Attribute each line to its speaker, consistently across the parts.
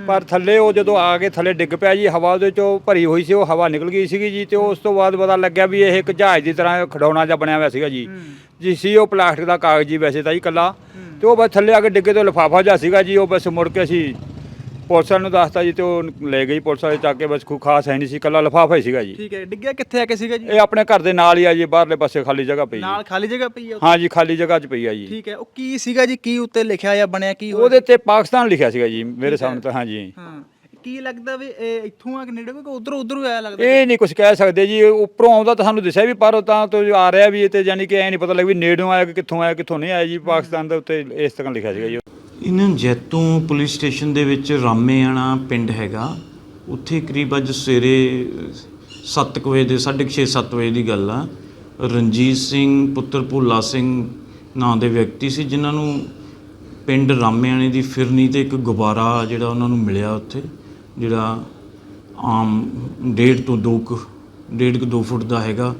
Speaker 1: ਪਰ ਥੱਲੇ ਉਹ ਜਦੋਂ ਆ ਕੇ ਥੱਲੇ ਡਿੱਗ ਪਿਆ ਜੀ, ਹਵਾ ਉਹਦੇ ਚੋਂ ਭਰੀ ਹੋਈ ਸੀ, ਉਹ ਹਵਾ ਨਿਕਲ ਗਈ ਸੀਗੀ ਜੀ। ਤੇ ਉਸ ਤੋਂ ਬਾਅਦ ਪਤਾ ਲੱਗਿਆ ਵੀ ਇਹ ਇੱਕ ਜਹਾਜ਼ ਦੀ ਤਰ੍ਹਾਂ ਖਿਡੌਣਾ ਜਿਹਾ ਬਣਿਆ ਹੋਇਆ ਸੀਗਾ ਜੀ ਸੀ ਉਹ ਪਲਾਸਟਿਕ ਦਾ ਕਾਗਜ਼ ਜੀ ਵੈਸੇ ਤਾਂ ਜੀ ਇਕੱਲਾ। ਤੇ ਉਹ ਬਸ ਥੱਲੇ ਆ ਕੇ ਡਿੱਗੇ ਤੋਂ ਲਿਫਾਫਾ ਜਿਹਾ ਸੀਗਾ ਜੀ। ਉਹ ਬਸ ਮੁੜ ਕੇ ਅਸੀਂ ਪੁਲਿਸ ਵਾਲਿਆਂ ਨੂੰ ਦੱਸਤਾ ਜੀ, ਤੇ ਉਹ ਲੈ ਗਈ ਪੁਲਿਸ ਵਾਲੇ ਚੱਕ ਕੇ। ਬਸ ਕੋਈ ਖਾਸ ਹੈ ਨਹੀਂ ਸੀ, ਇਕੱਲਾ ਲਿਫਾਫਾ ਹੀ ਸੀਗਾ ਜੀ।
Speaker 2: ਠੀਕ ਹੈ, ਡਿੱਗਿਆ ਕਿੱਥੇ ਆ ਕੇ ਸੀਗਾ ਜੀ?
Speaker 1: ਇਹ ਆਪਣੇ ਘਰ ਦੇ ਨਾਲ ਹੀ ਆ ਜੀ, ਬਾਹਰਲੇ ਪਾਸੇ ਖਾਲੀ ਜਗ੍ਹਾ ਪਈ
Speaker 2: ਨਾਲ ਖਾਲੀ ਜਗ੍ਹਾ ਪਈ ਆ?
Speaker 1: ਹਾਂ ਜੀ, ਖਾਲੀ ਜਗ੍ਹਾ 'ਚ ਪਈ ਆ ਜੀ।
Speaker 2: ਠੀਕ ਹੈ, ਉਹ ਕੀ ਸੀਗਾ ਜੀ? ਕੀ ਉੱਤੇ ਲਿਖਿਆ ਜਾਂ ਬਣਿਆ ਕੀ ਹੋਇਆ?
Speaker 1: ਉਹਦੇ ਤੇ ਪਾਕਿਸਤਾਨ ਲਿਖਿਆ ਸੀਗਾ ਜੀ ਮੇਰੇ ਸਾਹਮਣੇ ਤਾਂ। ਹਾਂ ਜੀ।
Speaker 2: ਹਾਂ, ਕੀ ਲੱਗਦਾ ਵੀ ਇਹ ਇੱਥੋਂ ਆ ਕੇ ਨੇੜੇ ਕੋਈ ਉਧਰੋਂ ਆਇਆ ਲੱਗਦਾ?
Speaker 1: ਇਹ ਨਹੀਂ ਕੁਝ ਕਹਿ ਸਕਦੇ ਜੀ, ਉੱਪਰੋਂ ਆਉਂਦਾ ਤਾਂ ਸਾਨੂੰ ਦਿਸਿਆ ਵੀ, ਪਰ ਤਾਂ ਤੋਂ ਆ ਰਿਹਾ ਵੀ ਇਹ ਤੇ, ਯਾਨੀ ਕਿ ਐ ਨਹੀਂ ਪਤਾ ਲੱਗ ਵੀ ਨੇੜੋਂ ਆਇਆ ਕਿ ਕਿੱਥੋਂ ਆਇਆ ਕਿੱਥੋਂ ਨਹੀਂ ਆਇਆ ਜੀ। ਪਾਕਿਸਤਾਨ ਦੇ ਉੱਤੇ ਇਸ ਤਰ੍ਹਾਂ ਲਿਖਿਆ ਸੀਗਾ ਜੀ।
Speaker 3: ਇਹਨਾਂ ਜੈਤੋਂ ਪੁਲਿਸ ਸਟੇਸ਼ਨ ਦੇ ਵਿੱਚ ਰਾਮੇਆਣਾ ਪਿੰਡ ਹੈਗਾ, ਉੱਥੇ ਕਰੀਬ ਅੱਜ ਸਵੇਰੇ 7 ਵਜੇ ਦੇ 6:30 7 ਵਜੇ ਦੀ ਗੱਲ ਆ। ਰਣਜੀਤ ਸਿੰਘ ਪੁੱਤਰ ਭੋਲਾ ਸਿੰਘ ਨਾਂ ਦੇ ਵਿਅਕਤੀ ਸੀ, ਜਿਨ੍ਹਾਂ ਨੂੰ ਪਿੰਡ ਰਾਮੇਆਣੇ ਦੀ ਫਿਰਨੀ ਤੇ ਇੱਕ ਗੁਬਾਰਾ ਜਿਹੜਾ ਉਹਨਾਂ ਨੂੰ ਮਿਲਿਆ ਉੱਥੇ, ਜਿਹੜਾ ਆਮ 1.5 ਤੋਂ 2 ਫੁੱਟ ਦਾ ਹੈਗਾ।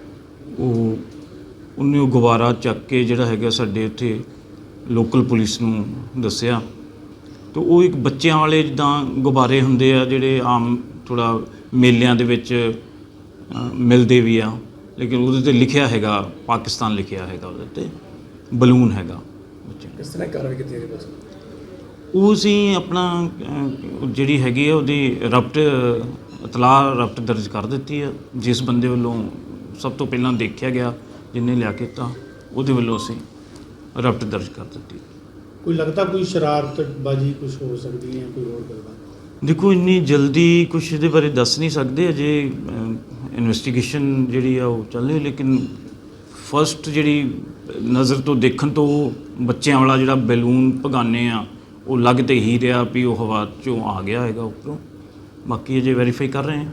Speaker 3: ਉਹਨੇ ਉਹ ਗੁਬਾਰਾ ਚੱਕ ਕੇ ਜਿਹੜਾ ਹੈਗਾ ਸਾਡੇ ਉੱਥੇ ਲੋਕਲ ਪੁਲਿਸ ਨੂੰ ਦੱਸਿਆ। ਤੇ ਉਹ ਇੱਕ ਬੱਚਿਆਂ ਵਾਲੇ ਜਿੱਦਾਂ ਗੁਬਾਰੇ ਹੁੰਦੇ ਆ ਜਿਹੜੇ ਆਮ ਥੋੜ੍ਹਾ ਮੇਲਿਆਂ ਦੇ ਵਿੱਚ ਮਿਲਦੇ ਵੀ ਆ, ਲੇਕਿਨ ਉਹਦੇ 'ਤੇ ਲਿਖਿਆ ਹੈਗਾ ਪਾਕਿਸਤਾਨ ਲਿਖਿਆ ਹੈਗਾ, ਉਹਦੇ 'ਤੇ ਬਲੂਨ ਹੈਗਾ ਬੱਚਿਆਂ।
Speaker 4: ਕਿਸ ਤਰ੍ਹਾਂ ਕਾਰਵਾਈ ਕੀਤੀ ਹੈ ਬਸ?
Speaker 3: ਉਹ ਅਸੀਂ ਆਪਣਾ ਜਿਹੜੀ ਹੈਗੀ ਆ ਉਹਦੀ ਰਪਟ ਦਰਜ ਕਰ ਦਿੱਤੀ ਆ। ਜਿਸ ਬੰਦੇ ਵੱਲੋਂ ਸਭ ਤੋਂ ਪਹਿਲਾਂ ਦੇਖਿਆ ਗਿਆ, ਜਿਹਨੇ ਲਿਆ ਕੇ ਤਾਂ ਉਹਦੇ ਵੱਲੋਂ ਅਸੀਂ ਰਪਟ ਦਰਜ ਕਰ ਦਿੱਤੀ।
Speaker 4: ਕੋਈ ਲੱਗਦਾ ਕੋਈ ਸ਼ਰਾਰਤਬਾਜ਼ੀ ਕੁਝ ਹੋ ਸਕਦੀ ਹੈ, ਕੋਈ ਹੋਰ ਗੱਲਬਾਤ?
Speaker 3: ਦੇਖੋ, ਇੰਨੀ ਜਲਦੀ ਕੁਛ ਇਹਦੇ ਬਾਰੇ ਦੱਸ ਨਹੀਂ ਸਕਦੇ, ਅਜੇ ਇਨਵੈਸਟੀਗੇਸ਼ਨ ਜਿਹੜੀ ਆ ਉਹ ਚੱਲ ਰਹੀ। ਲੇਕਿਨ ਫਸਟ ਜਿਹੜੀ ਨਜ਼ਰ ਤੋਂ ਦੇਖਣ ਤੋਂ ਬੱਚਿਆਂ ਵਾਲਾ ਜਿਹੜਾ ਬੈਲੂਨ ਭਗਾਨੇ ਆ, ਉਹ ਲੱਗ ਤੇ ਹੀ ਰਿਹਾ ਵੀ ਉਹ ਹਵਾ 'ਚੋਂ ਆ ਗਿਆ ਹੈਗਾ ਉੱਪਰੋਂ। ਬਾਕੀ ਅਜੇ ਵੈਰੀਫਾਈ ਕਰ ਰਹੇ ਹਾਂ।